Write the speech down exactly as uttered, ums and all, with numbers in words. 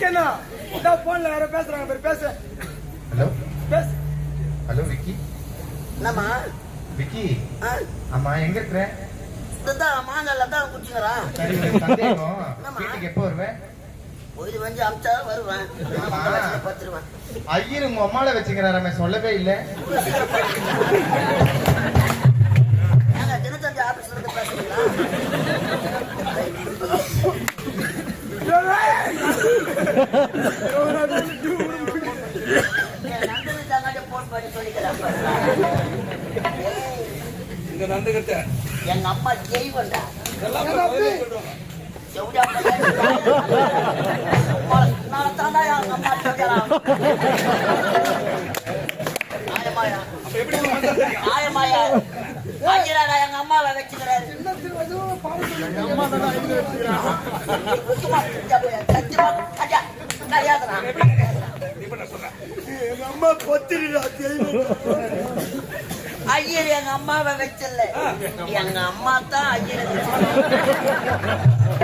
உனக்கு என்ன போன்ல யாரோ பேசுறாங்க பேர் பேச. ஹலோ பேச. ஹலோ விக்கி. என்னம்மா விக்கி அம்மா எங்க இருக்கிற? இதுதான் மாங்கல்ல தான் குடிச்சுக்கிறான். சரி சந்தேகம் வீட்டுக்கு எப்போ வருவேன்? ஒரு வஞ்சி அமிச்சா வருவேன். பத்துருவேன். ஐயர் உங்க அம்மால வச்சுக்கிறாராமே சொல்லவே இல்லை. நாங்க தினத்தந்தி ஆபீஸ்ல இருந்து பேசுறீங்களா? எங்க அம்மா ஜெய்வண்டா எங்க அம்மாவை வச்சுக்கிறாரு. ஐயர் எங்க அம்மாவை வச்சல, எங்க அம்மா தான் ஐயர்.